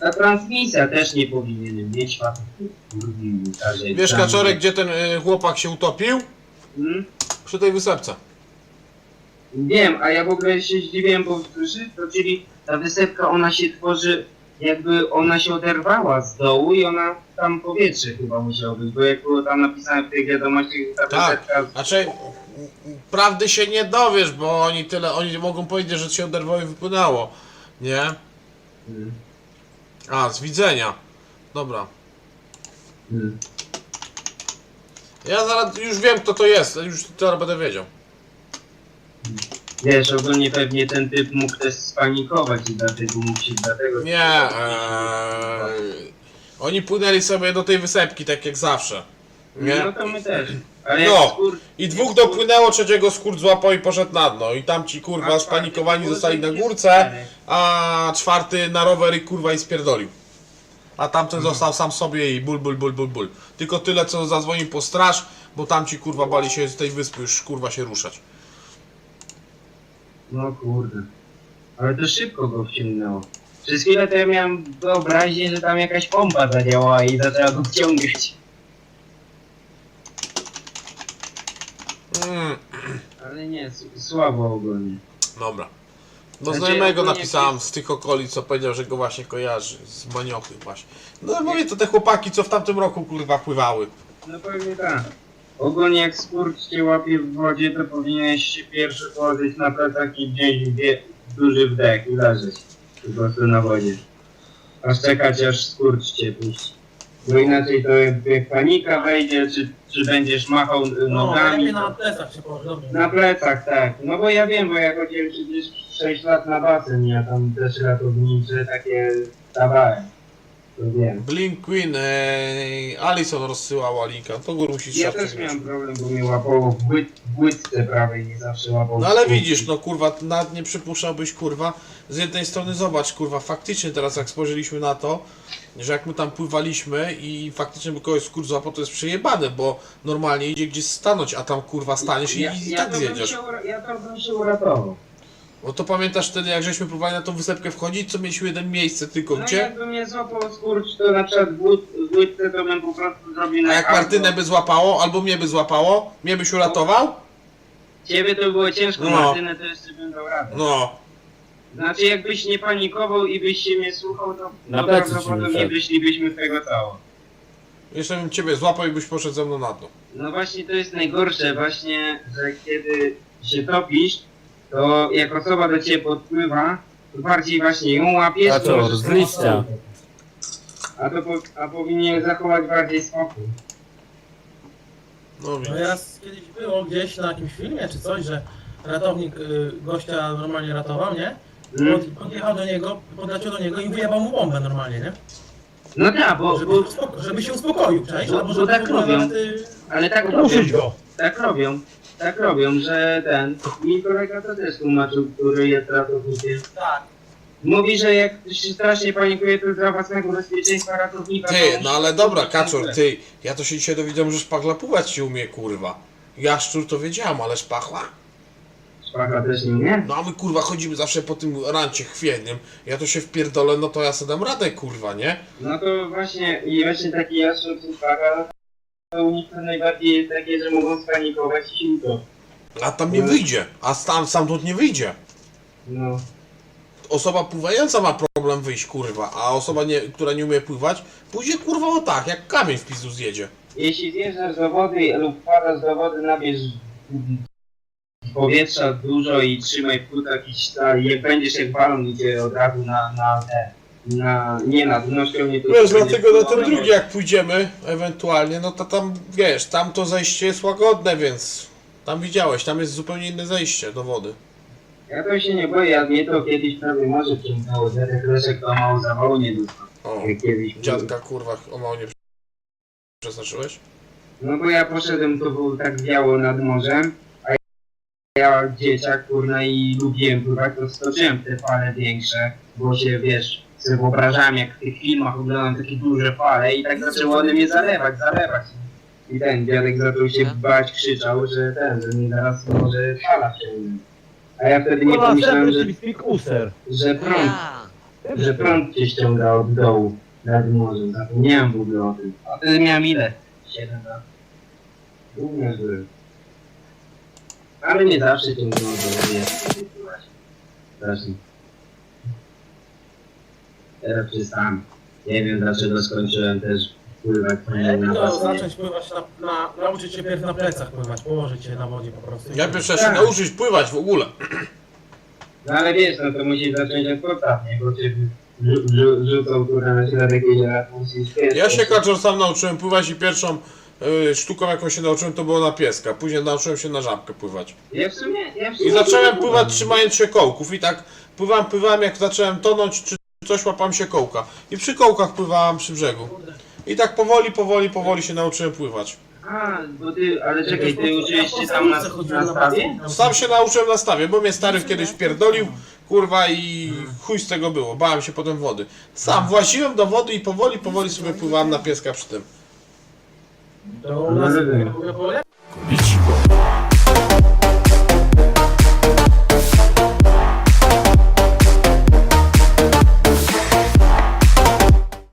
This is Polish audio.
ta transmisja też nie powinien mieć facet. Wiesz, Kaczorek, gdzie ten chłopak się utopił? Hmm? Przy tej wysepce. Wiem, a ja w ogóle się zdziwiłem, bo czyli ta wysepka, ona się tworzy, jakby ona się oderwała z dołu i ona tam powietrze chyba musiało być, bo jak było tam napisane w tej wiadomości, ta Tak, wysepka... znaczy prawdy się nie dowiesz, bo oni mogą powiedzieć, że się oderwało i wypłynęło, nie? Hmm. A, z widzenia. Dobra. Hmm. Ja zaraz już wiem, kto to jest, już teraz będę wiedział. Wiesz, ogólnie pewnie ten typ mógł też spanikować i dlatego mógł się dlatego... Nie, oni płynęli sobie do tej wysepki, tak jak zawsze. Nie? No to my też. Ale No, jak i dwóch dopłynęło, trzeciego skórt złapał i poszedł na dno. I tamci kurwa spanikowani zostali na górce, a czwarty na rower i kurwa i spierdolił. A tamten został sam sobie i ból. Tylko tyle, co zadzwonił po straż, bo tamci kurwa bali się z tej wyspy już kurwa się ruszać. No kurde. Ale to szybko go wciągnęło. Przez chwilę to ja miałem wyobraźnię, że tam jakaś pompa zadziałała i zaczęła go wciągać. Ale nie, słabo ogólnie. Dobra. Do Znaczy, znajomego ogólnie napisałem z tych okolic, co powiedział, że go właśnie kojarzy. Z Maniochy właśnie. No mówię, to te chłopaki, co w tamtym roku kurwa pływały. No pewnie tak. Ogólnie jak skurcz cię łapie w wodzie, to powinieneś się pierwszy położyć na plecach i wziąć duży wdech i leżeć. Po prostu na wodzie. Aż czekać, aż skurcz cię puści. Bo inaczej to jak panika wejdzie, czy będziesz machał nogami. lepiej na plecach się położy, dobrze. Na plecach, tak. No bo ja wiem, bo ja chodziłem przecież 6 lat na basen, ja tam też ratownicze takie dawałem. To wiem. Blink Queen, Alison rozsyłała linka, to go musisz Ja szafkę też wziąć. miałem problem, bo mnie łapało w łydce prawej, nie zawsze łapało. No ale widzisz, no kurwa, nawet nie przypuszczałbyś kurwa, z jednej strony zobacz kurwa, faktycznie teraz jak spojrzeliśmy na to, że jak my tam pływaliśmy i faktycznie by kogoś skurcz złapał, to jest przejebane, bo normalnie idzie gdzieś stanąć, a tam kurwa staniesz i tak zjedziesz. Ja to bym się uratował. No to pamiętasz wtedy, jak żeśmy próbowali na tą wysepkę wchodzić, co mieliśmy jeden miejsce tylko, No gdzie? jakby mnie złapał skurcz, to na przykład w łydce to bym po prostu zrobił A jak albo- Martynę by złapało, albo mnie by złapało, mnie byś uratował? Ciebie to było ciężko, No. Martynę to jeszcze bym dał radę. No. Znaczy jakbyś nie panikował i byś się mnie słuchał, to Na plecy ci prawdopodobnie wyszedł. wyszlibyśmy z tego cało. Jeszcze bym ciebie złapał i byś poszedł ze mną na dno. No właśnie to jest najgorsze właśnie, że kiedy się topisz, to jak osoba do ciebie podpływa, to bardziej właśnie ją łapiesz, A to co, możesz z tą liścia. osobę- a powinien zachować bardziej spokój. No No widzisz. raz kiedyś było gdzieś na jakimś filmie czy coś, że ratownik gościa normalnie ratował, nie? Podjechał do niego, podleciał do niego i wyjebał mu bombę normalnie, nie? No tak, bo Żeby się uspokoił, cześć? Bo- Albo bo żeby tak w ogóle robią. nawet, ale tak robią, Ruszyć go! tak robią, że mi kolega to też tłumaczył, który jest ratownikiem. tak. Mówi, że jak się strasznie panikuje, to dla własnego bezpieczeństwa ratownika... Ty, to no ale dobra, Kaczor, ty, ja to się dzisiaj dowiedziałem, że szpachla pływać się umie, kurwa. Jaszczur to wiedziałem, ale szpachla? Szpachla też nie umie? No a my kurwa chodzimy zawsze po tym rancie chwiejnym, ja to się wpierdolę, no to ja sobie dam radę, kurwa, nie? No to właśnie, i właśnie taki jaszczur czy szpachla, to u nich to najbardziej jest takie, że mogą spanikować i się utopić. A tam nie wyjdzie, a stamtąd nie wyjdzie. No. Osoba pływająca ma problem wyjść, kurwa, a osoba, która nie umie pływać, pójdzie kurwa o tak, jak kamień w pizdu zjedzie. Jeśli zjeżdżasz do wody lub wpadasz do wody, nabierz powietrza dużo i trzymaj w płótach i stali. Jak będziesz jak balon, idzie od razu nie na dno, nie to... Wiesz, dlatego na ten drugi jak pójdziemy, ewentualnie, no to tam, wiesz, tam to zejście jest łagodne, więc tam widziałeś, tam jest zupełnie inne zejście do wody. Ja to się nie boję, a mnie to kiedyś prawie może wciągnęło. Dziadek Leszek to mało zawału nie dostał. O, Jak kiedyś był. dziadka, kurwa, o mało nie przeznaczyłeś? No bo ja poszedłem, to było tak wiało nad morzem, a ja dzieciak, kurna, i lubiłem pływać, to skoczyłem w te fale większe, bo się, wiesz, sobie wyobrażałem, jak w tych filmach oglądam takie duże fale i tak zaczęło one mnie zalewać. I ten dziadek zaczął się bać, krzyczał, że mnie zaraz może fala wciągnie. A ja wtedy nie pomyślałem, że prąd, Że prąd cię ściąga od dołu nad morzem. Zapomniałem w ogóle o tym. A wtedy miałem ile? 7 lat. Głównie zły. Ale nie zawsze ciągnął do mnie. Strasznie. Teraz przestałem. Nie wiem dlaczego skończyłem też pływać Lepiej na to basenie. zacząć pływać nauczyć się pierw na plecach pływać, położyć się na wodzie po prostu. Ja pierwsze się nauczyć pływać w ogóle. No ale wiesz, no to musisz zacząć od podstaw, nie? Bo cię rzucą kurwa na środek jeziora, to musisz pierwszy. Ja się kaczor sam nauczyłem pływać i pierwszą sztuką jaką się nauczyłem to było na pieska. Później nauczyłem się na żabkę pływać. Ja w sumie I zacząłem pływać trzymając się kołków i tak pływałem jak zacząłem tonąć czy coś łapałem się kołka. I przy kołkach pływałem przy brzegu. I tak powoli się nauczyłem pływać. A, bo ty, ale czekaj, ty uczyłeś się tam na stawie? Sam się nauczyłem na stawie, bo mnie stary kiedyś pierdolił, kurwa i chuj z tego było, bałem się potem wody. Sam właziłem do wody i powoli sobie pływałem na pieska przy tym. To u nas No, było lepiej. Ichigo.